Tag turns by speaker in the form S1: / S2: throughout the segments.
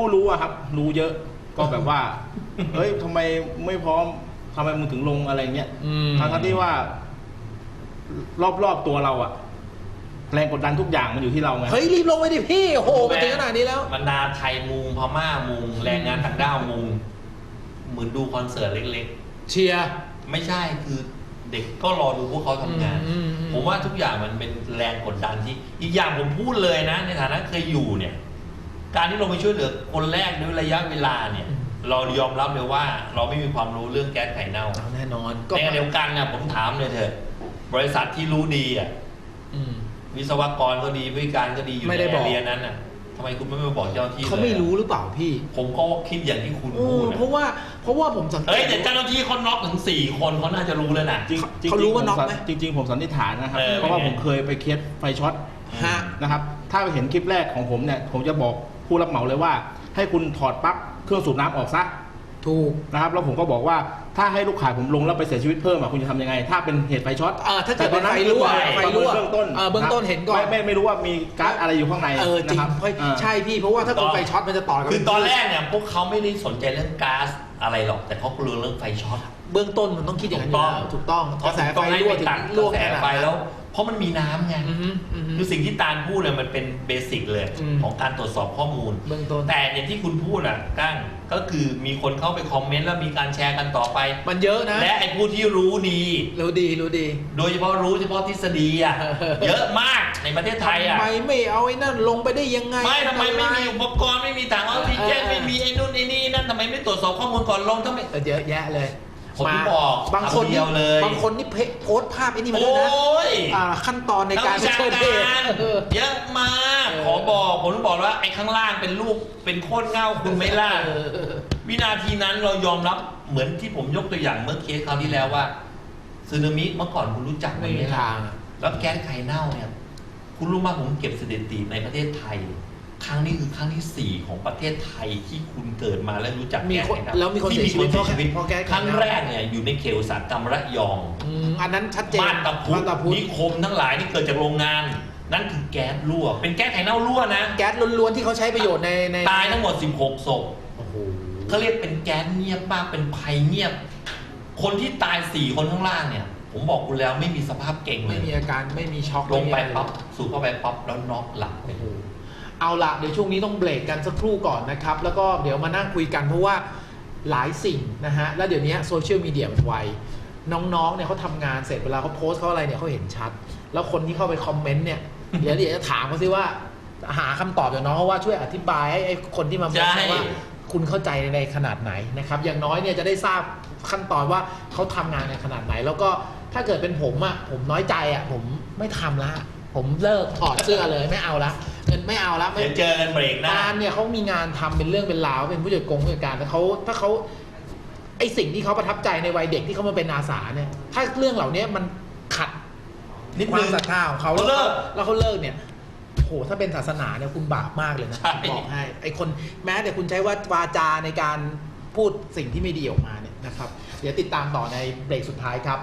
S1: รู้อะครับรู้เยอะก็แบบว่าเฮ้ยทำไมไม่พร้อมทำไมมึงถึงลงอะไรเงี้ยทั้งที่ว่ารอบๆตัวเราอะแรงกดดันทุกอย่างมันอยู่ที่เราไง
S2: เฮ้ยรีบลงไปดิพี่โอ้โหมาถึงขนาดนี้แล้ว
S3: บรรดาไทยมุงพม่ามุงแรงงานต่างด้าวมุงเหมือนดูคอนเสิร์ตเล็ก
S2: ๆเชียร์
S3: ไม่ใช่คือเด็กก็รอดูพวกเขาทำงานผมว่าทุกอย่างมันเป็นแรงกดดันที่อีกอย่างผมพูดเลยนะในฐานะเคยอยู่เนี่ยการที่เราไปช่วยเหลือคนแรกด้วยระยะเวลาเนี่ยเรายอมรับเลยว่าเราไม่มีความรู้เรื่องแก๊สไข่เน่า
S2: แน่นอน
S3: ในเดียวกันนะผมถามเลยเถอะบริษัทที่รู้ดีอ่ะวิศวกรก็ดีผู้การก็ดีอยู่ในแอเรียนั้นน่ะทำไมคุณไม่มาบอกเจ้าหน้าที่
S2: เขาไม่รู้หรือเปล่าพี่
S3: ผมก็คิดอย่างที่คุณพูด
S2: เพราะว่าผมสังเกต
S3: แต่เจ้าหน้าที่เขาน็อกถึง4 คนเขาน่าจะรู้แล้วนะ
S2: เขารู้ว่าน็อกไหม
S1: จริงๆผมสันนิษฐานนะครับเพราะว่าผมเคยไปเคสไฟช็อตนะครับถ้าไปเห็นคลิปแรกของผมเนี่ยผมจะบอกผู้รับเหมาเลยว่าให้คุณถอดปลั๊กเครื่องสูบน้ำออกซะ
S2: ถูก
S1: นะครับแล้วผมก็บอกว่าถ้าให้ลูกขายผมลงแล้วไปเสียชีวิตเพิ่มคุณจะทำยังไงถ้าเป็นเหตุไฟช็อต
S2: ถ้าเกิดเป็นไฟรั่ว
S1: เบื้องต้น
S2: เห็นก่อน
S1: ไม่รู้ว่ามีก๊าซอะไรอยู่ข้างใน
S2: จริงใช่พี่เพราะว่าถ้าเป็นไฟช็อตมันจะต่อกัน
S3: คือตอนแรกเนี่ยพวกเขาไม่ได้สนใจเรื่องก๊าซอะไรหรอกแต่เขากลัวเรื่องไฟช็อต
S2: เบื้องต้นมันต้องคิดอย่างนั้นถูกต้องกระแสไฟรั่วถึงรั่ว
S3: กระแสไฟแล้วเพราะมันมีน้ำไงคือสิ่งที่ตาลพูดเนี่ยมันเป็นเบสิกเลยของการตรวจสอบข้อมูล
S2: เบื้องต้น
S3: แต่อย่างที่คุณพูดก้างก็คือมีคนเข้าไปคอมเมนต์แล้วมีการแชร์กันต่อไป
S2: มันเยอะนะ
S3: และไอ้ผู้ที่รู้ดีโดยเฉพาะรู้เฉพาะทฤษฎีเยอะมากในประเทศไทย
S2: ทำไมไม่เอาไอ้นั่นลงไปได้ยังไง
S3: ไม่ทำไมไม่มีอุปกรณ์ไม่มีถังออกซิเจนไม่มีไอ้นู่นไอ้นี่นั่นทำไมไม่ตรวจสอบข้อมูลก่อนลงทำไม
S2: เยอะแยะเลย
S3: ผมบอก
S2: บางคนนี่โพสต์ภาพไอ้นี่มาด้วยนะขั้นตอนในการเชิญเหตุ
S3: เยอะมากขอบอกผมต้องบอกว่าไอ้ข้างล่างเป็นรูปเป็นโคตรเง่าคุณไม่ล่ะวินาทีนั้นเรายอมรับเหมือนที่ผมยกตัวอย่างเมื่อเคสคราวที่แล้วว่าสึนามิเมื่อก่อนคุณรู้จักไหมล่ะแล้วแก๊สไข่เน่าเนี่ยคุณรู้มากผมเก็บสถิติในประเทศไทยครั้งนี้คือครั้งที่4ของประเทศไทยที่คุณเกิดมาแล้วรู้จักแก๊สไข่เน่า
S2: แล้วมีคนเสียชีวิต
S3: ครั้งแรกเนี่ยอยู่ในเขตอุตสาหกรรมระยอง
S2: อันนั้นชัดเจน
S3: บ้านตะพุนิคมทั้งหลายที่เกิดจากโรงงานนั่นคือแก๊สรั่วเป็นแก๊สไข่เน่ารั่วนะ
S2: แก๊สล้วนๆที่เขาใช้ประโยชน์ใน
S3: ตายทั้งหมด16 ศพเขาเรียกเป็นแก๊สเงียบบ้างเป็นภัยเงียบคนที่ตาย4 คนข้างล่างเนี่ยผมบอกคุณแล้วไม่มีสภาพเก่งเลย
S2: ไม่มีอาการไม่มีช็อก
S3: ลงไปปั๊บสูบเข้าไปปั๊บแล้วน็อกหลับ
S2: เอาละเดี๋ยวช่วงนี้ต้องเบรกกันสักครู่ก่อนนะครับแล้วก็เดี๋ยวมานั่งคุยกันเพราะว่าหลายสิ่งนะฮะแล้วเดี๋ยวนี้โซเชียลมีเดียมันไวน้องๆเนี่ยเขาทำงานเสร็จเวลาเขาโพสต์เขาอะไรเนี่ยเขาเห็นชัดแล้วคนที่เข้าไปคอมเมนต์เนี่ยเดี๋ยวจะถามเขาซิว่าหาคำตอบจากน้องเขาว่าช่วยอธิบายให้คนที่มาโพสต์ว่าคุณเข้าใจในขนาดไหนนะครับอย่างน้อยเนี่ยจะได้ทราบขั้นตอนว่าเขาทำงานในขนาดไหนแล้วก็ถ้าเกิดเป็นผมผมน้อยใจผมไม่ทำละผมเลิกถอดเสื้อเลยไม่เอาละไม่เอาละ
S3: ไม่เจอกันเบรกหน้า
S2: เนี่ยเขามีงานทำเป็นเรื่องเป็นราวเป็นผู้จัดการแต่ถ้าเขาไอสิ่งที่เขาประทับใจในวัยเด็กที่เขามาเป็นอาสาเนี่ยถ้าเรื่องเหล่านี้มันขัดความศรัทธาของเขาแล้วเขาเลิกเนี่ยโหถ้าเป็นศาสนาเนี่ยคุณบาปมากเลยนะบอกให้ไอคนแม้แต่คุณใช้วาจาในการพูดสิ่งที่ไม่ดีออกมาเนี่ยนะครับเดี๋ยวติดตามต่อในเบรกสุดท้ายครับ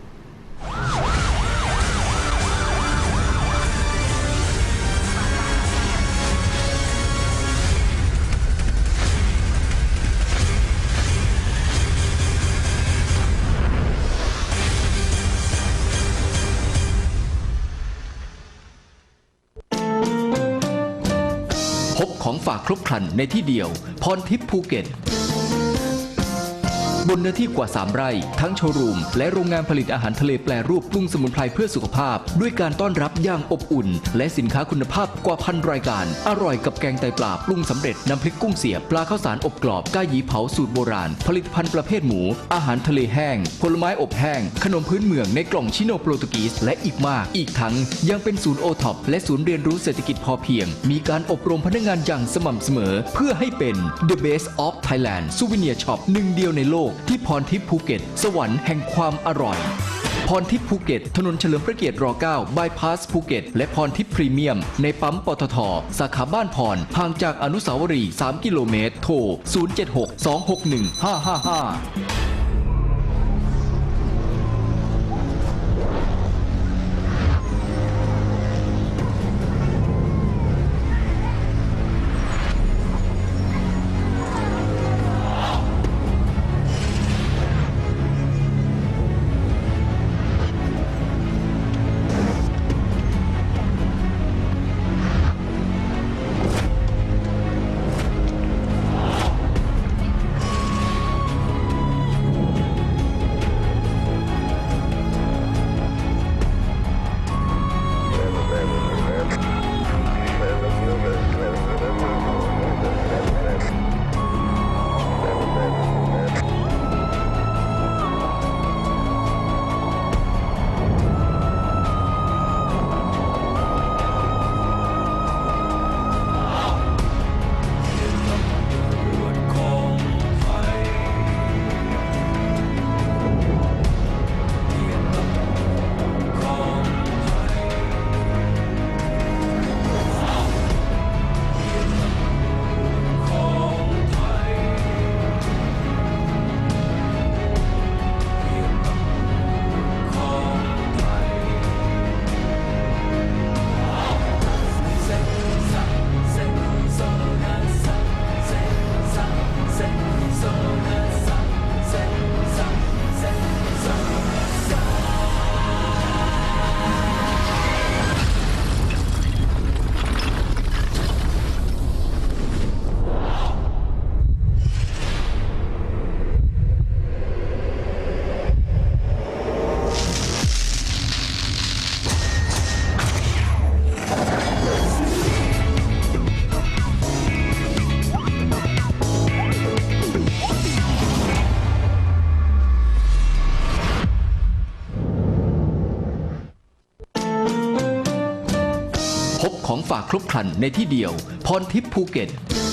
S4: พบของฝากครบครันในที่เดียวพรทิพย์ภูเก็ตบนเนื้อที่กว่า3 ไร่ทั้งโชว์รูมและโรงงานผลิตอาหารทะเลแปรรูปปรุงสมุนไพรเพื่อสุขภาพด้วยการต้อนรับอย่างอบอุ่นและสินค้าคุณภาพกว่า1,000 รายการอร่อยกับแกงไตปลาปรุงสำเร็จน้ำพริกกุ้งเสียบปลาข้าวสารอบกรอบก้าหยีเผาสูตรโบราณผลิตภัณฑ์ประเภทหมูอาหารทะเลแห้งผลไม้อบแห้งขนมพื้นเมืองในกล่องชิโนโปรตุกีสและอีกมากอีกทั้งยังเป็นศูนย์โอท็อปและศูนย์เรียนรู้เศรษฐกิจพอเพียงมีการอบรมพนักงานอย่างสม่ำเสมอเพื่อให้เป็น The Best of Thailand Souvenir Shop หนึ่งเดียวในโลกที่พรทิพย์ภูเก็ตสวรรค์แห่งความอร่อยพรทิพย์ภูเก็ตถนนเฉลิมพระเกียรติร9บายพาสภูเก็ตและพรทิพย์พรีเมียมในปั๊มปตท.สาขาบ้านพรห่างจากอนุสาวรีย์3 กิโลเมตรโทร076 261 555 รบครันในที่เดียวพรทิพย์ภูเก็ต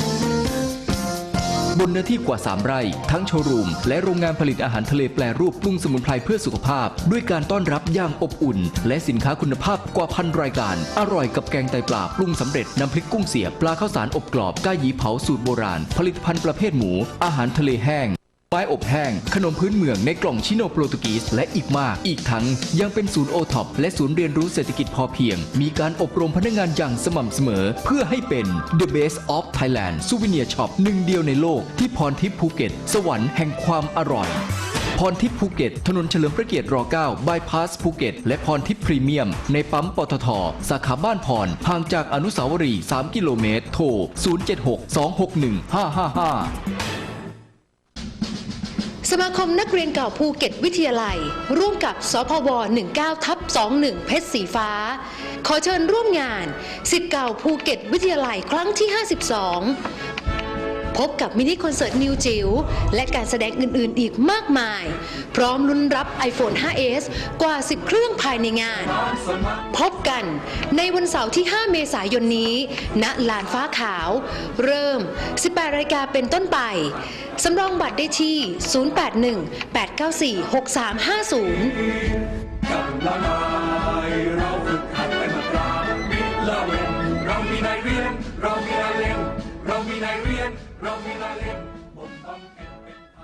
S4: บนเนื้อที่กว่า 3 ไร่ทั้งโชว์รูมและโรงงานผลิตอาหารทะเลแปรรูปปรุงสมุนไพรเพื่อสุขภาพด้วยการต้อนรับอย่างอบอุ่นและสินค้าคุณภาพกว่า1,000 รายการอร่อยกับแกงไตปลาปรุงสำเร็จน้ำพริกกุ้งเสียบปลาข้าวสารอบกรอบก้าหยีเผาสูตรโบราณผลิตภัณฑ์ประเภทหมูอาหารทะเลแห้งไม้อบแห้งขนมพื้นเมืองในกล่องชิโนโปรตุกีสและอีกมากอีกทั้งยังเป็นศูนย์โอท็อปและศูนย์เรียนรู้เศรษฐกิจพอเพียงมีการอบรมพนักงานอย่างสม่ำเสมอเพื่อให้เป็น The Best of Thailand Souvenir Shop หนึ่งเดียวในโลกที่พรทิพย์ภูเก็ตสวรรค์แห่งความอร่อยพรทิพย์ภูเก็ตถนนเฉลิมพระเกียรติร9บายพาสภูเก็ตและพรทิพย์พรีเมียมในปั๊มปตทสาขาบ้านพรห่างจากอนุสาวรีย์3 กิโลเมตรโทร 076-261-555
S5: สมาคมนักเรียนเก่าภูเก็ตวิทยาลัยร่วมกับสพว 19/21 เพชรสีฟ้าขอเชิญร่วมงานศิษย์เก่าภูเก็ตวิทยาลัยครั้งที่ 52 พบกับมินิคอนเสิร์ตนิวจิ๋วและการแสดงอื่นๆอีกมากมายพร้อมลุ้นรับ iPhone 5s กว่า 10 เครื่องภายในงานพบกันในวันเสาร์ที่ 5 เมษายนนี้ณลานฟ้าขาวเริ่ม 18 นาฬิกาเป็นต้นไปสำรองบัตรได้ที่ 081-894-6350
S6: กับละนายเราฝึกหัดไปมาตรามิตรละเวนเรามีนายเรียนเรามีนายเรียนเรามีนายเรียนเรามีนายเรียนบ่มบำเพ็ญเป็นไท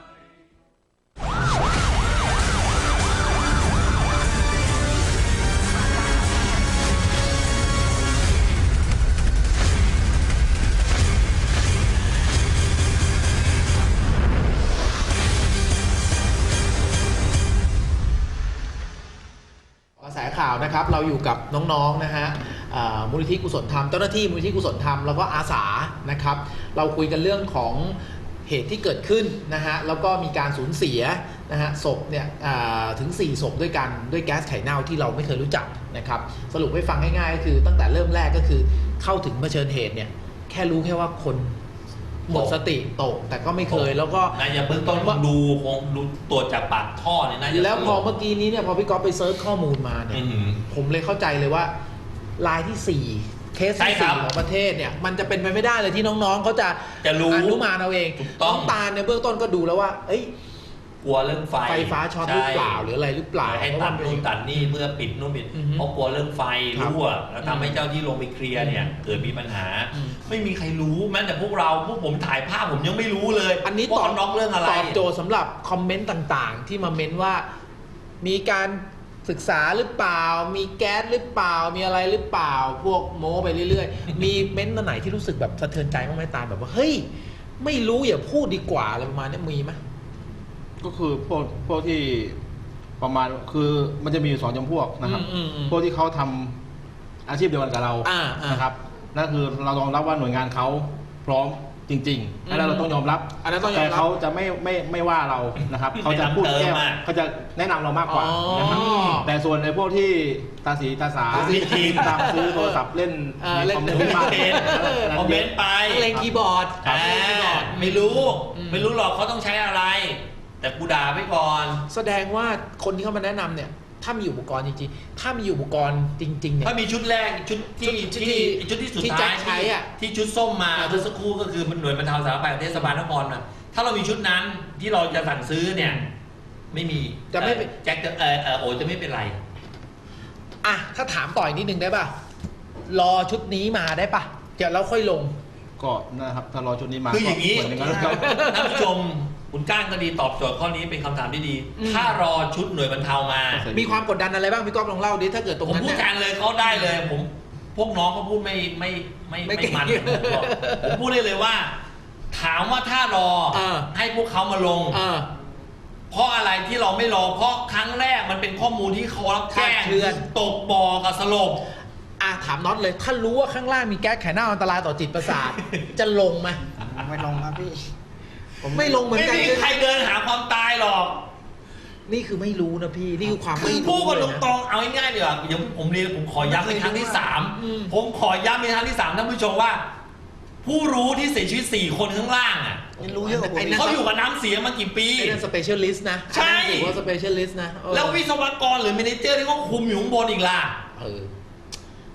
S6: ย
S2: กระแสข่าวนะครับเราอยู่กับน้องๆนะฮะมูลนิธิกุศลธรรมเจ้าหน้าที่มูลนิธิกุศลธรรมแล้วก็อาสานะครับเราคุยกันเรื่องของเหตุที่เกิดขึ้นนะฮะแล้วก็มีการสูญเสียนะฮะศพเนี่ยถึง4ศพด้วยกันด้วยแก๊สไข่เน่าที่เราไม่เคยรู้จักนะครับสรุปให้ฟังง่ายๆก็คือตั้งแต่เริ่มแรกก็คือเข้าถึงเผชิญเหตุเนี่ยแค่รู้แค่ว่าคนหมดสติตกแต่ก็ไม่เคยแล้วก็
S3: น่าจะเบื้องต้นคงดูตรวจจากปากท่อเนี่ยน่าจะ
S2: แล้วพอเมื่อกี้นี้เนี่ยพอพี่ก๊อฟไปเซิร์ชข้อมูลมาเนี่ยผมเลยเข้าใจเลยว่ารายที่4เคสที่4ของประเทศเนี่ยมันจะเป็นไปไม่ได้เลยที่น้องๆเขาจะ
S3: รู้
S2: อนุมานเอาเอง
S3: น้
S2: องตาลในเบื้องต้นก็ดูแล้วว่าเอ้ย
S3: กลัวเรื่องไฟ
S2: ฟ้าช็อตหรือเปล่าหรืออะไรหรือเปล่า
S3: ให้ตัดนู่นตัดนี่เพื่อปิดนู่นปิดเพราะกลัวเรื่องไฟรั่วแล้วทำให้เจ้าที่ลงไปเคลียร์เนี่ยเกิดมีปัญหาไม่มีใครรู้แม้แต่พวกผมถ่ายภาพผมยังไม่รู้เลย
S2: อันนี้
S3: ว่าเขาน็อกเรื่องอะไร
S2: ตอบโจทย์สำหรับคอมเมนต์ต่างๆ ที่มาเม้นว่ามีการศึกษาหรือเปล่ามีแก๊สหรือเปล่ามีอะไรหรือเปล่าพวกโม้ไปเรื่อยๆ มีเม้นต์ตัวไหนที่รู้สึกแบบสะเทือนใจบ้างไหมตาลแบบว่าเฮ้ยไม่รู้อย่าพูดดีกว่าอะไรประมาณนี้มีไหม
S1: ก็คือพวกที่ประมาณคือมันจะมีอยู่2 จำพวกนะครับพวกที่เขาทำอาชีพเดียวกันกับเรานะครับนั่นคือเราต้องรับว่าหน่วยงานเขาพร้อมจริงๆอันนั้นเราต้องยอมรับแต่เขาจะไม่ว่าเรานะครับเขาจะพูดแก้เขาจะแนะนำเรามากกว่านะครับแต่ส่วนในพวกที่ตาสีตาสาตามซื้อโทรศัพท์เล่นคอมเมนต์
S3: ไป
S2: เล่นคีย์บอร์ด
S3: ไม่รู้หรอกเขาต้องใช้อะไรแต่กูด่าไปก่อน
S2: แสดงว่าคนที่เข้ามาแนะนำเนี่ยถ้ามีอุปกรณ์จริงๆถ้ามีอุปกรณ์จริงๆเนี่ย
S3: ถ้ามีชุดแรกชุดที่สุดท้าย
S2: ใช้อ่ะ
S3: ที่ชุดส้มมาเมื่อสักครู่ก็คือมันหน่วยบรรเทาสาธารณภัยเทศบาลนครนะถ้าเรามีชุดนั้นที่เราจะสั่งซื้อเนี่ยไม่มี
S2: จะไม่
S3: แจ็คโอจะไม่เป็นไร
S2: อ่ะถ้าถามต่ออีกนิดนึงได้ป่ะรอชุดนี้มาได้ป่ะเดี๋ยวเราค่อยลง
S1: ก็นะครับถ้ารอชุดนี้มา
S3: คืออย่างนี้ท่านผู้ชมคุณก้างก็ดีตอบโจทย์ข้อนี้เป็นคำถามที่ดีถ้ารอชุดหน่วยบรรเทามา
S2: มีความกดดันอะไรบ้างพี่ก๊อฟลองเล่าดิถ้าเกิดตรงนั้น
S3: ผมพูดการเลยเขาได้เลยผมพวกน้องเขาพูดไม่มันผมพูดได้เลยว่าถามว่าถ้ารอให้พวกเขามาลงเพราะอะไรที่เราไม่รอเพราะครั้งแรกมันเป็นข้อมูลที่เขารับแจ้งตกบ่อกับสลบ
S2: ถามน็อตเลยถ้ารู้ว่าข้างล่างมีแก๊สไข่เน่าอันตรายต่อจิตประสาทจะลงไหม
S7: ไม่ลงครับพี่
S2: ไม่ลงเหมือนกัน
S3: ไม่มีใครเดินหาความตายหรอก
S2: นี่คือไม่รู้นะพี่นี่คือความไม่รู้
S3: พูดกันตรงๆเอาง่ายๆเดี๋ยวเดี๋ยวผมขอย้ำในครั้งที่3ผมขอย้ำในครั้งที่3ท่านผู้ชมว่าผู้รู้ที่เสียชีวิต4 คนข้างล่างอ่ะ
S7: รู้เยอะกว่าผม
S3: เขาอยู่กับน้ำเสียมากี่ปี
S2: เป็นสเปเชียลิสต์นะ
S3: ใช่
S2: ถือว่าสเปเชียลิสต์นะ
S3: แล้ววิศวกรหรือเมเนเจอร์ที่เขาคุมอยู่ข้างบนอีกล่ะ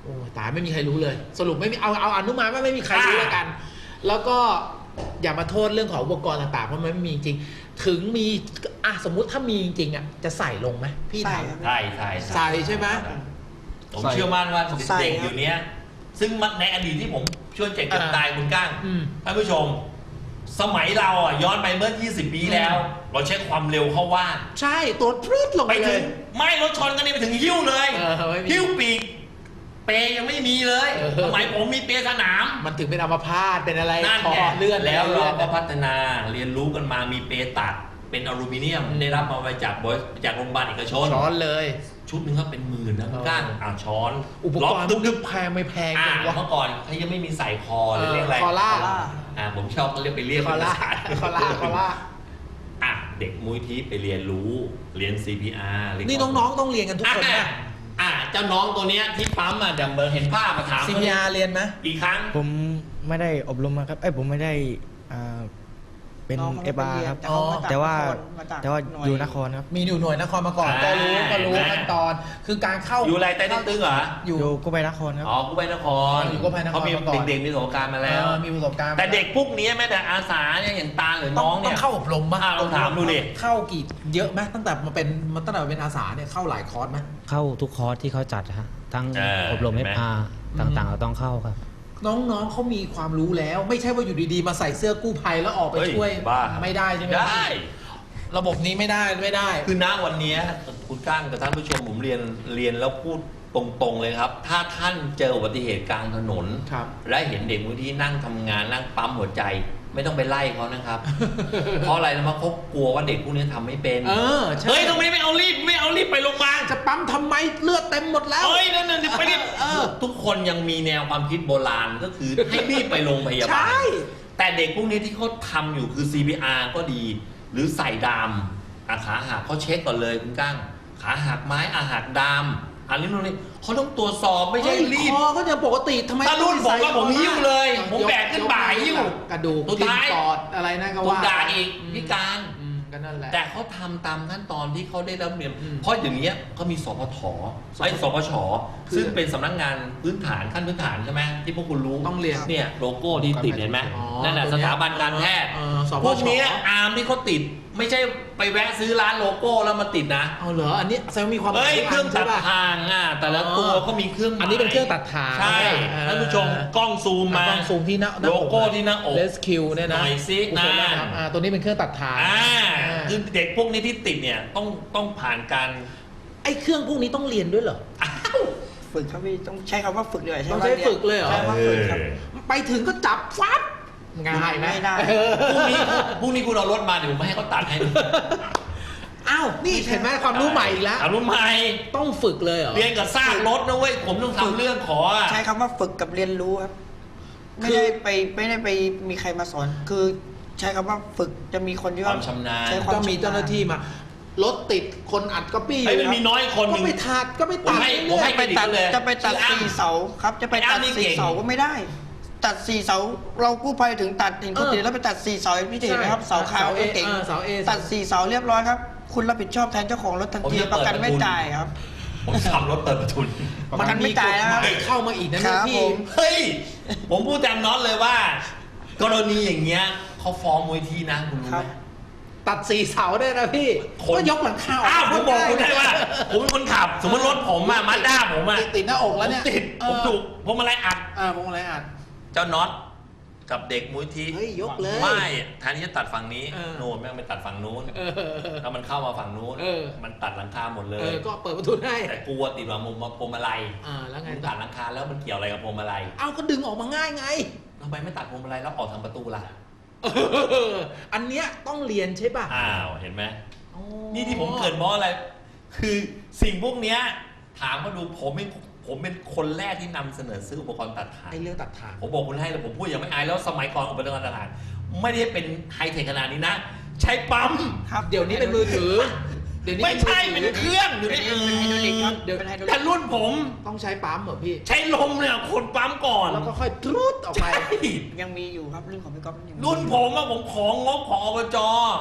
S2: โอ้ตายไม่มีใครรู้เลย สรุปไม่มีเอาอนุมานว่าไม่มีใครรู้แล้วกัน แล้วก็อย่ามาโทษเรื่องของอุปกรณ์ต่างๆเพราะมันไม่มีจริงถึงมีสมมุติถ้ามีจริงๆจะใส่ลงไหมพี่
S7: ใส่
S2: ถาม
S7: ครับ
S3: ใช่
S2: ใส่ใช่ไหม
S3: ผมเชื่อมั่นว่า
S7: ใส่
S3: เด็ก
S7: ครับ
S3: อยู่เนี้ย ซึ่งในอดีตที่ผมช่วยเจ็บจนตายคุณก้าง
S2: อืม
S3: ท่านผู้ชม สมัยเราย้อนไปเมื่อ 20 ปีแล้ว เราใช้ความเร็วเข้าว่า
S2: ใช่ตัวพรึดลง
S3: ไป
S2: ไปเล
S3: ถึ
S2: ย
S3: งไม่รถชนกันนี่ไปถึงหิ้วเลย
S2: ไม่มี
S3: หิ้วปีกเปยยังไม่มีเลย สมัยผมมีเปยสนาม
S2: มันถึงเป็นอัมพาตเป็นอะไร
S3: นั่น
S2: คอ
S3: ไง
S2: เลื่อน
S3: แล้วเรา
S2: เลื่อน
S3: ก็พัฒนาเรียนรู้กันมามีเปตัดเป็นอลูมิเนียมได้รับมาจากโรงพยาบาลเอกชน
S2: ช้อนเลย
S3: ชุดหนึงก็เป็นหมื่นนะคุณก้างช้อน
S2: อุปกรณ์
S3: ล็อก
S2: พวกนี้แพงไม่แพงจังวะ
S3: เมื่อก่อนเขายังไม่มีใส่คอเลยเรียกอะไร
S2: คอล่า
S3: ผมชอบเขาเรียกไปเรียก
S2: คอ
S3: เป็น
S2: ล่า
S3: ภาษา
S2: คอล่า
S3: เด็กมุ้ยที่ไปเรียนรู้เรียน CPR เรีย
S2: นี่น้องๆต้องเรียนกันทุกคนนะ
S3: เจ้าน้องตัวเนี้ยที่ปั๊มเดี๋ยวเห็นภาพมาถาม
S2: CPR เรียนไหม
S3: กี่ครั้ง
S7: ผมไม่ได้อบรมมาครับผมไม่ได้เป็น
S8: น้องเขาไม่
S7: เอ
S8: ไป
S7: บา
S8: เรียน
S7: ครับ
S8: แต่เขามาจาก
S7: แต่ว่า
S8: มาจาก
S7: แต่ว่า
S8: หน่วย
S7: อยู่นครครับ
S2: มีอยู่หน่วยนครมาก่อนก็รู้ขั้นตอน คือการเข้า
S3: อยู่อะไรใต้ตึ้งเหรอ
S2: อยู่
S7: อยู่กู้ภัยนครครับ
S3: กู้ภัยนคร
S2: อยู่กู้ภัยนคร
S3: เขามี
S2: มาก่อน
S3: เด็กๆมีประสบการณ์มาแล้ว
S2: มีประสบการณ์
S3: แต่เด็กพวกนี้แม้แต่อาสาเนี่ยอย่างตาหรือน้อง
S2: ต้
S3: เนี่
S2: อย งเข้าอบรมป่ะ
S3: ลองถามดูดิ
S2: เข้ากี่เยอะไหมตั้งแต่มาเป็นอาสาเนี่ยเข้าหลายคอร์สไหม
S9: เข้าทุกคอร์สที่เขาจัดฮะทั้งอบรม
S3: เห็นไหม
S9: FR ต่างๆเราต้องเข้าครับ
S2: น้องๆเขามีความรู้แล้ว ไม่ใช่ว่าอยู่ดีๆมาใส่เสื้อกู้ภัยแล้วออกไป
S3: เฮ้ย
S2: ช่วย
S3: บ้า
S2: ไม่ได้ใช่ไหม
S3: ได้
S2: ระบบนี้ไม่ได้
S3: คือณวันนี้คุณก้างกับท่านผู้ชมผมเรียนแล้วพูดตรงๆเลยครับ ถ้าท่านเจออุบัติเหตุกลางถนน
S2: ครับ
S3: และเห็นเด็กบางที่นั่งทำงานนั่งปั๊มหัวใจ ไม่ต้องไปไล่เขานะครับ เพราะอะไรนะเขากลัวว่าเด็กพวกนี้ทำไม่เป็น
S2: ใช่
S3: เฮ้ยทำไมไม่เอารีบไปโรงพยาบาล
S2: จะปั๊มทำไมเลือดเต็มหมดแล้ว
S3: เฮ้ยนั่นไปรีบทุกคนยังมีแนวความคิดโบราณก็คือให้รีบไปโรงพยาบา
S2: ใช่
S3: ลแต่เด็กพวกนี้ที่เขาทำอยู่คือ CPR ก็ดี หรือใส่ดามขาหักเขาเช็คก่อนเลยคุณก้างขาหักไม้หักดามอันนี้นู่นนี่เขาต้องตรวจสอบไม่ใช่รีบ
S2: คอก็ยังปกติทำไม
S3: ถ้ารุ่นผมว่าผมหิ้วเลยผมแบกขึ้นบ่าหิ้ว
S2: กระดูก
S3: สุดท้าย
S2: ปอดอะไรนั่นก็
S3: ถูก
S2: ว่า
S3: ด่าอีกพิการ
S2: ก็นั่นแหละ
S3: แต่เขาทำตามขั้นตอนที่เขาได้รับเรียน
S2: อืม
S3: เพราะอย่างเนี้ยเขามีสพทสพช
S2: คือ
S3: ซึ่งเป็นสำนักงานพื้นฐานขั้นพื้นฐานใช่ไหมที่พวกคุณรู้
S2: ต้องเรียน
S3: เนี่ยโลโก้ที่ติดเห็นไหม
S2: อ๋อ
S3: นั่นแหละ
S2: ตัว
S3: ส
S2: เนี้ย
S3: ถาบันการแพทย์
S2: สพช
S3: พวกเนี้ยอาร์มที่เขาติดไม่ใช่ไปแวะซื้อร้านโลโก้แล้วมาติดนะ
S2: เอาเหรออันนี้แสดงว่ามีความห
S3: เฮ้
S2: มาย ย
S3: เครื่องตัด
S2: ใช่ป่ะ
S3: ทางแต่ละตัวเขามีเครื่องหมาย
S2: อันนี้เป็นเครื่องตัดทาง
S3: ใช่ท่านผู้ชมกล้องซูมมา
S2: ต้องซูมที่หน้า
S3: โลโก้ที่หน้าอก
S2: เลสคิวเนี่ยนะ
S3: หน่อยสิ
S2: โอเค
S3: นะ
S2: นะครับตัวนี้เป็นเครื่องตัดทาง
S3: คือเด็กพวกนี้ที่ติดเนี่ยต้องผ่านการ
S2: ไอ้เครื่องพวกนี้ต้องเรียนด้วยเหรอ
S8: ฝึกครับพี่ต้องใช้คำว่าฝึกเลย
S2: ต้องใช้ฝึกเลยเหรอ
S8: ใช้คำว่าฝึกครับ
S2: ไปถึงก็จับฟัดง่ายไหม
S8: ไม่ได้
S3: พรุ่งนี้คุณเอารถมาเดี๋ยวผมให้เขาตัดให้ดู
S2: อ้าวนี่เห็นไหมความรู้ใหม่อีกแล้ว
S3: เอารู้ไหม
S2: ต้องฝึกเลยเหรอ
S3: เรียนกับซากรถนะเว้ยผมต้องทำเรื่องขอ
S8: ใช้คำว่าฝึกกับเรียนรู้ครับ ไม่ได้ไปมีใครมาสอน คือใช้คำว่าฝึกจะมีคนที่
S3: ความชำนาญ
S8: ใช้ความ
S2: ก็มีเจ้าหน้าที่มา รถติดคนอัดก๊อปปี้อ
S3: ไอ้
S2: ยู่
S3: มันมีน้อยคนห
S2: ก็
S3: นึ่ง
S2: ไปตัดก็ไปตัด
S3: ผมให้
S8: ไปตัด
S3: เลย
S8: จะไปตัด
S3: ชื่ออ้ำ
S8: 4 เสาครับ จะไปตัด
S3: ไอ้อ้ำนี่เก่ง
S8: 4 เสาก็ไม่ได้ ตัด 4 เสา เรากู้ภัยถึงตัดเห็นคนติดแล้วไปตัด 4 เสาพี่เห็นไหมครับ เสาขาวเก่ง
S2: เสาเอ
S8: ตัด 4 เสาเรียบร้อยครับ คุณรับผิดชอบแทนเจ้าของรถทันทีประกันไม่จ่ายครับ
S3: ผมทำรถเปิดประทุน
S8: ประกันไม่จ่ายแล้วครับ
S2: เข้ามาอีกนะครับ
S8: ผ
S2: พี่
S8: ม
S3: เฮ้ย ผมพูดแจมน็อตเลยว่า กรณีอย่างเงี้ยเขาฟ้องมูลที่นะคุณรู้
S8: ค
S3: ไห
S8: รั
S3: ม
S8: บ
S2: ตัด4 เสาได้นะพี่
S3: คน
S2: ก็ยกหลังคาออก
S3: อ้าวผมบอกคุณได้ว่า ผมเป็นคนขับ สมมติรถผมมาด้าผม
S2: ติดหน้าอกแล้วเนี่ย
S3: ติดผมถูกผมอะไรอัด
S2: ผมอะไรอัด
S3: เจ้าน็อตกับเด็กมูลที่
S2: เฮ้ยยกเลย
S3: ไม่แทนที่จะตัดฝั่งนี้
S2: เออ
S3: โน่นแม่งไปตัดฝั่งนู้นแล้วมันเข้ามาฝั่งนู้น มันตัดหลังคาหมดเลย
S2: ก็เปิดประตูให้
S3: แต่กลัวติดว่ามุมพวงมาลัย
S2: แล้วไง
S3: มึง
S2: ต่
S3: ตั
S2: อ
S3: ดหลังคาแล้วมันเกี่ยวอะไรกับพวงมาลัย
S2: เอาก็ดึงออกมาง่ายไง
S3: ทำไมไม่ตัดพวงมาลัยแล้วออกทางประตูล่ะ
S2: อันเนี้ยต้องเรียนใช่ป่ะ
S3: อ้าวเห็นไหมนี่ที่ผมเกิดเพราะอะไร คือสิ่งพวกเนี้ยถามมาดูผมเป็นคนแรกที่นำเสนอซื้ออุปกรณ์ตัดถ่าง
S2: ไอ้เรื่องตัดทาง
S3: ผมบอกคุณให้เลยผมพูดอย่างไม่อายแล้วสมัยก่อนอุปกรณ์ตัดถ่างไม่ได้เป็นไฮเทคขนาดนี้นะ ใช้ปั๊ม
S8: ครับ
S2: เดี๋ยวนี้เป็นมือถือ เดี๋ยวนี้
S3: ไม่ใช่เป็นเครื่องอยู่
S8: เป็
S3: ใน
S8: นไฮดรอลิกครับเป็นไฮดรอลิ
S3: แต่
S8: ก
S3: รุ่นผม
S2: ต้องใช้ปั๊มเหรอพี่
S3: ใช้ลมเนี่ยคนปั๊มก่อน
S2: แล้วก็ค่อยทรุดออกไป
S3: ใช่
S8: ยังมีอยู่ครับเรื่องของพี่ก๊อฟยังมี
S3: รุ่นผมอะผมของงบของอบจ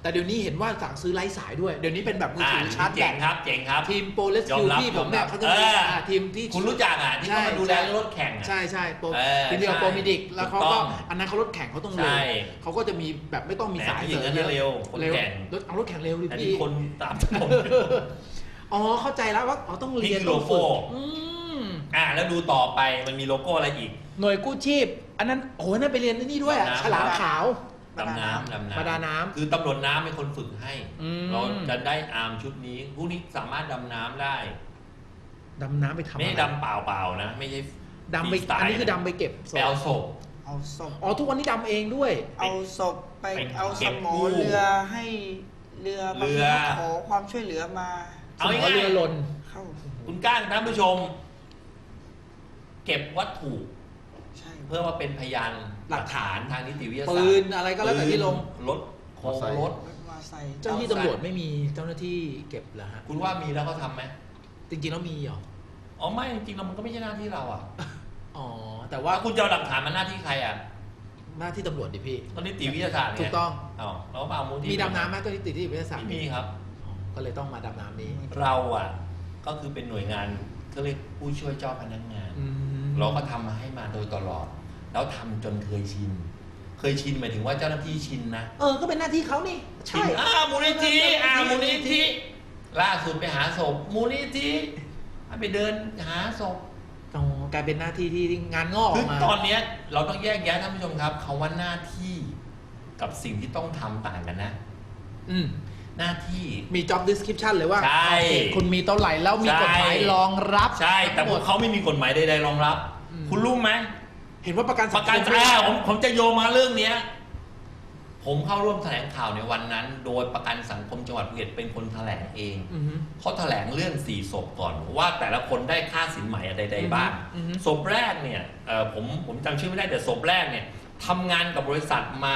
S2: แต่เดี๋ยวนี้เห็นว่าสั่งซื้อไร้สายด้วย เดี๋ยวนี้เป็นแบบมือถือชาร์จแบ
S3: เจ๋ง
S2: ต
S3: ครับเจ๋งครับ
S2: ทีมโปรเลสคิวที่ผมเนี่ยเขาจะมีทีมที่
S3: คุณรู้จักที่เขามาดูแลรถแข่ง
S2: ใช่ใช่โปร
S3: ทีม
S2: เดียว
S3: ใช่
S2: โปรมิดิกแล้วเขา
S3: ถูกต้
S2: ก็
S3: อง
S2: อันนั้นเขารถแข่งเขาต้องเร็ว
S3: ใช่
S2: เขาก็จะมีแบบไม่ต้องมีสาย
S3: แหมผู้หญิง
S2: เสริม
S3: นั้นเร็วคน
S2: เร็ว
S3: แข่ง
S2: เอารถแข่งเร็วดิ
S3: แต่
S2: พี่
S3: ที่คนตามถนน
S2: อ๋อเข้าใจแล้วว่าอ๋อต้องเรียน
S3: นี่คือโลโก้
S2: อืม
S3: แล้วดูต่อไปมันมีโลโก้อะไรอีก
S2: หน่วยกู้ชีพ อันนั้นโอ้โหนั่นไปเรียนที่นี่ด้วยอะ
S3: ดำน้ำ
S2: ฉลามขาว
S3: ดำน้ำ
S2: ประดาน้ำ
S3: คือตำรวจน้ำเป็นคนฝึกให้
S2: อืม
S3: เราจะได้อาร์มชุดนี้พวกนี้สามารถดำน้ำได้
S2: ดำน้ำไปทำ
S3: ไม่
S2: อะ
S3: ใช่
S2: ไร
S3: ดำเปล่าๆนะ ไม่ใช่
S2: ดำไป
S3: ฟรีสตล์
S2: อันนี้คือดำไปเก็บศ
S3: ไปเอาศพ
S8: เอาศพ
S2: อ๋อทุกวันนี้ดำเองด้วย
S8: เอาศพไป
S3: ไป
S8: เอา
S3: เก็
S8: ส
S3: บ
S8: มอ
S3: กู้
S8: เรือให้เรือบางทีเขาขอความช่วยเหลือมา
S3: เอา
S2: สม
S3: ง่าย
S2: เรือหล่น
S8: เข้า
S3: ๆคุณก้างท่านผู้ชม เก็บวัตถุ
S8: ใช่
S3: เพื่อมาเป็นพยานหลักฐานทางนิติวิทยาศาสตร์
S2: ปืนอะไรก็แล้วแต่ที่ลง
S3: รถโครงรถ
S8: รถมาใส่
S2: เจ้าหน้าที่ตำรวจไม่มีเจ้าหน้าที่เก็บเหรอฮะ
S3: คุณว่ามีแล้วเขาทำไหม
S2: จริงๆแล้วมีเหรอ
S3: อ๋อไม่จริงๆแล้วมันก็ไม่ใช่หน้าที่เราอ่ะ
S2: อ๋อ แต่ว่า
S3: ว่าคุณจะเอาหลักฐานมันหน้าที่ใครอ่ะ
S2: หน้าที่ตำรวจดิพี่
S3: ก็นิติวิทยาศาสตร์ไ
S2: ถูกต้อง
S3: อ๋อแล้วมาเอามูลที่
S2: มีดำน้ำไหมเจ้าหน้าที่วิทยาศาสตร์
S3: ไม่มีครับ
S2: อ๋อก็เลยต้องมาดำน้ำนี้
S3: เราอ่ะก็คือเป็นหน่วยงานก็เรียกผู้ช่วยเจ้าพนักงาน
S2: อืม
S3: เราก็ทำมาให้มาโดยตลอด แล้วทำจนเคยชิน เคยชินหมายถึงว่าเจ้าหน้าที่ชินนะ
S2: ก็เป็นหน้าที่เขานี่
S3: ชิ
S2: ใช่
S3: นมูลนิธิมูลนิธิล่าสุดไปหาศพมูลนิธิให้ไปเดินหาศพ
S2: อ๋อกลายเป็นหน้าที่ที่งานงอกอ
S3: คือ
S2: อกมา
S3: ตอนเนี้ยเราต้องแยกแยะท่านผู้ชมครับคำว่าหน้าที่กับสิ่งที่ต้องทำต่างกันนะ
S2: อืม
S3: หน้าที่
S2: มี job description เลยว่า
S3: ใช่
S2: โอเคคุณมีเท่าไหร่แล้วมีกฎหมายรองรับ
S3: ใช่ แต่พวกเขาไม่มีกฎหมายใดๆรองรับ
S2: อืม
S3: คุณรู้ไหม
S2: เห็นว่าประกัน
S3: ป
S2: สัง
S3: ระ
S2: ค
S3: กัน
S2: ม
S3: ผมจะโยงมาเรื่องเนี้ย ผมเข้าร่วมแถลงข่าวในวันนั้น โดยประกันสังคมจังหวัดภูเก็ตเป็นคนแถลงเอง
S2: อือฮึ
S3: เขาแถลงเรื่อง4ศพก่อน ว่าแต่ละคนได้ค่าสินไหมอะไรใดๆบ้าง
S2: อือฮึ
S3: ศพแรกเนี่ยผมจำชื่อไม่ได้แต่ศพแรกเนี่ยทำงานกับบริษัทมา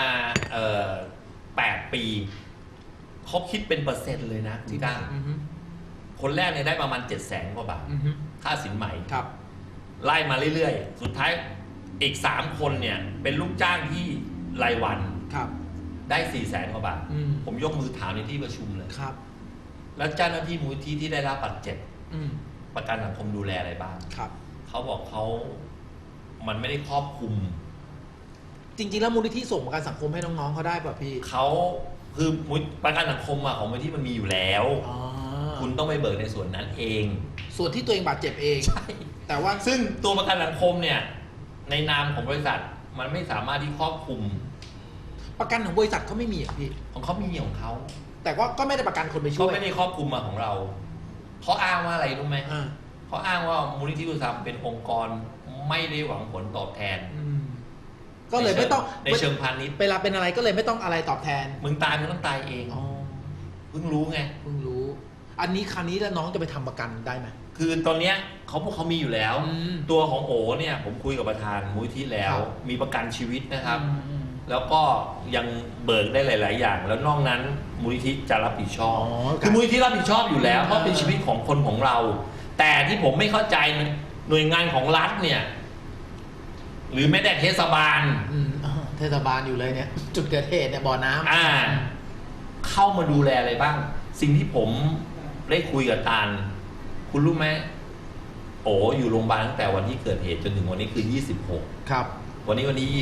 S3: 8 ปีเขาคิดเป็นเปอร์เซ็นต์เลยนะที่ได้
S2: อือฮึ
S3: คนแรกเนี่ยได้ประมาณ700,000 กว่าบาท
S2: อือฮึ
S3: ค่าสินไหม
S2: ครับ
S3: ไล่มาเรื่อยๆ สุดท้ายอีก3 คนเนี่ยเป็นลูกจ้างที่รายวัน
S2: ครับ
S3: ได้400,000 กว่าบาท
S2: อืม
S3: ผมยกมือถามในที่ประชุมเลย
S2: ครับ
S3: แล้วเจ้าหน้าที่มูลที่ที่ได้รับบาดเจ็บ
S2: อืม
S3: ประกันสังคมดูแลอะไรบ้าง
S2: ครับ
S3: เขาบอกมันไม่ได้ครอบคลุม
S2: จริงๆแล้วมูลนิธิส่งประกันสังคมให้น้องๆเขาได้ป่ะพี่
S3: เขาคือประกันสังคมของมูลที่มันมีอยู่แล้ว
S2: อ๋อ
S3: คุณต้องไปเบิกในส่วนนั้นเอง
S2: ส่วนที่ตัวเองบาดเจ็บเอง
S3: ใช่
S2: แต่ว่า
S3: ซึ่งตัวประกันสังคมเนี่ยในนามของบริษัทมันไม่สามารถที่ครอบคลุม
S2: ประกันของบริษัทเขาไม่มีอ่ะพี่
S3: ของเขามีของเขา
S2: แต่ว่าก็ไม่ได้ประกันคนไปช่
S3: เขา
S2: วย
S3: ไม่ได้ครอบคลุมมาของเราเขาอ้างว่าอะไรรู้ไหม
S2: อ่า
S3: เขาอ้างว่ามูลนิธิอุตสาหกรรมเป็นองค์กรไม่ได้หวังผลตอบแทน
S2: อืมก็เลยไม่ต้อง
S3: ในเชิงพาณิชย์
S2: เวลาเป็นอะไรก็เลยไม่ต้องอะไรตอบแทน
S3: มึงตายมึงต้องตายเอง
S2: อ๋อ
S3: เพิ่งรู้ไง
S2: เพิ่งรู้ อันนี้คราวนี้แล้วน้องจะไปทำประกันได้ไหม
S3: คือตอนเนี้ยพวกเขามีอยู่แล้ว
S2: อืม
S3: ตัวของโอเนี่ยผมคุยกับประธานมูลนิธิแล้ว
S2: ครับ
S3: มีประกันชีวิตนะครับ
S2: อืม
S3: แล้วก็ยังเบิกได้หลาย ๆ อย่าง แล้วนอกนั้นมูลนิธิจะรับผิดชอบ
S2: อ๋อ
S3: คือมูลนิธิรับผิดชอบอยู่แล้วเพราะเป็นชีวิตของคนของเรา แต่ที่ผมไม่เข้าใจหน่วยงานของรัฐเนี่ย หรือแม้แต่เทศบาล
S2: อืมอ่าเทศบาลอยู่เลยเนี่ย จุดเกิดเหตุเนี่ยบ่อน้ำ
S3: เข้ามาดูแลอะไรบ้าง สิ่งที่ผมได้คุยกับตาลคุณรู้ไหมโอ้อยู่โรงพยาบาลตั้งแต่วันที่เกิดเหตุจนถึงวันนี้คือ26
S2: ครับ
S3: วันนี้วันที่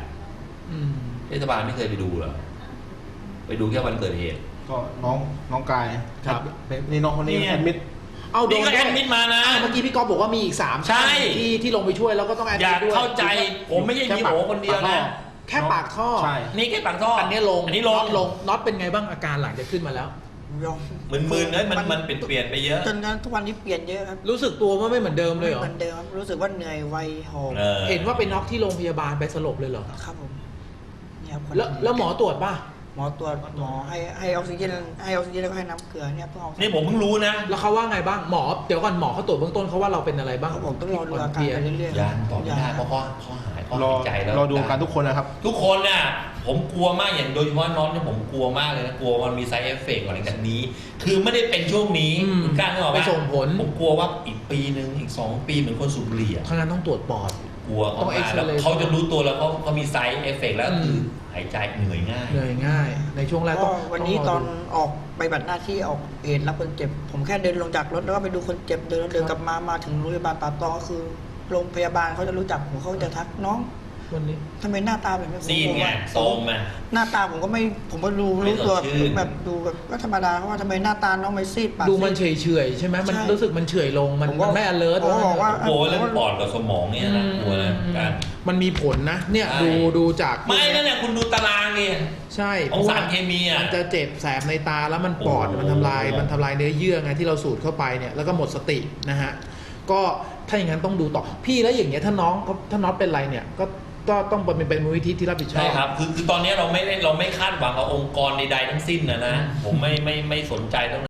S3: 28
S2: อืม
S3: เทศบาลไม่เคยไปดูเหรอไปดูแค่วันเกิดเหตุ
S1: ก็น้องกาย
S2: ครับ
S1: นี่น้องคนนี้
S3: เนี่ย
S1: แอดมิด
S2: เอาโด
S3: นี่
S2: น
S3: ก็
S2: ด้
S3: แอ
S2: วย
S3: ดมิดมานะ
S2: เมื่อกี้พี่ก๊อฟบอกว่ามีอีก3
S3: ใช่
S2: ที่ลงไปช่วยแล้วก็ต้องแอด
S3: อยาก
S2: ด้วย
S3: เข้าใจผมไม่ใช่มีโอคนเดียวนะ
S2: แค่ปากท่อ
S1: ใช่
S3: นี่แค่ปากท่อ
S2: อั
S3: อั
S2: นนี้ลง
S3: อันนี้ลง
S2: น็อตเป็นไงบ้างอาการหลังจากขึ้นมาแล้ว
S8: ยอม
S3: มึนๆเลยมันเปลี่ยนไปเยอะ
S8: จนนั้นทุกวันนี้เปลี่ยนเยอะครับ
S2: รู้สึกตัวว่าไม่เหมือนเดิมเลยเหรอ
S8: เหมือนเดิมครับรู้สึกว่าเหนื่อยไวหอบ
S2: เห็นว่าไปน็อกที่โรงพยาบาลไปสลบเลยเหรอ
S8: ครับผมเนี่ยครับ
S2: แล้วหมอตรวจป่ะ
S8: หมอตรวจหมอให้ออกซิเจนแล้วก็ให้น้ำเกลือเนี่ยเพื่อเอา
S3: นี่ผมเพิ่งรู้นะ
S2: แล้วเขาว่าไงบ้างหมอเดี๋ยวก่อนหมอเขาตรวจเบื้องต้นเขาว่าเราเป็นอะไรบ้าง
S8: เขาบอกต้องรอดูอาการไปเรื่อยๆ
S3: ยานตอบไม่ได้เพราะเขาหายเขา
S1: รอ
S3: หายใจแล้ว
S1: รอดูกันทุกคนนะครับ
S3: ทุกคนน่ะผมกลัวมากอย่างโดยเฉพาะน็อตเนี่ยผมกลัวมากเลยนะกลัวมันมีไซเอฟเฟกต์อะไรแบบนี้ คือไม่ได้เป็นช่วงนี้คุณกล้านึกออก
S2: ไป
S3: ปะ
S2: ส่งผล
S3: ผมกลัวว่าอีกปีหนึ่งอีก2 ปีเหมือนคนสูบบุหรี่อะ
S2: ทางนั้นต้องตรวจปอด
S3: กลัวเขา
S2: ต้อง
S3: มาแล้ว
S2: X-ray
S3: เขาจะรู้ตัวแล้วเขามีไซด์เอฟเฟกต์แล้วคือหายใจเหนื่อยง่าย
S2: เหนื่อยง่าย ในช่วงแรก
S8: ก็
S2: ต้อง
S8: วันนี้
S2: งร
S8: ตอน
S2: ดู
S8: ออกไปบัตรหน้าที่ออกเหตุรับคนเจ็บ ผมแค่เดินลงจากรถแล้วก็ไปดูคนเจ็บเดินกลับมาถึงโรงพยาบาลป่าตองก็คือโรงพยาบาลเขาจะรู้จักผมเขาจะทักน้อง
S2: วันนี้
S8: ทำไมหน้าตาแบบนี้ผม
S3: ซีดไง
S8: ว่า
S3: โซมอ่ะ
S8: หน้าตาผมก็ดู
S3: ไม่
S8: รู้ตัว
S3: สดชื่น
S8: แบบดูแบบก็ธรรมดาเพราะว่าทำไมหน้าตาน้องไม่ซีดปาก
S2: ดูมัน
S8: ซีด
S2: เฉยๆใช่ไหมมัน
S8: ใช่
S2: รู้สึกมันเฉยลงมัน
S8: ผมก็
S2: มันไม่ alert
S8: ผมก็บอกว่า
S3: กลัวเรื่องปอดกับสมองเนี่ยนะกลัวนะการ
S2: มันมีผลนะ เนี่ย
S3: ใช่
S2: ดูจาก
S3: ไม่นั่นแหละคุณดูตารางเนี่ย
S2: ใช่
S3: ของสารเคมีอ่ะ
S2: มันจะเจ็บแสบในตาแล้วมันปอด
S3: โอ้โห
S2: มันทำลายเนื้อเยื่อไงที่เราสูดเข้าไปเนี่ยแล้วก็หมดสตินะฮะก็ถ้าอย่างนั้นต้องดูต่อพี่แล้วอย่างเงี้ยถ้าน้องเป็นไรเนี่ยก็ต้องเป็นมูลนิธิที่รับผิดชอบ
S3: ใช่ครับคือตอนนี้เราไม่คาดหวังกับองค์กรใดๆทั้งสิ้นนะผมไม่สนใจตรง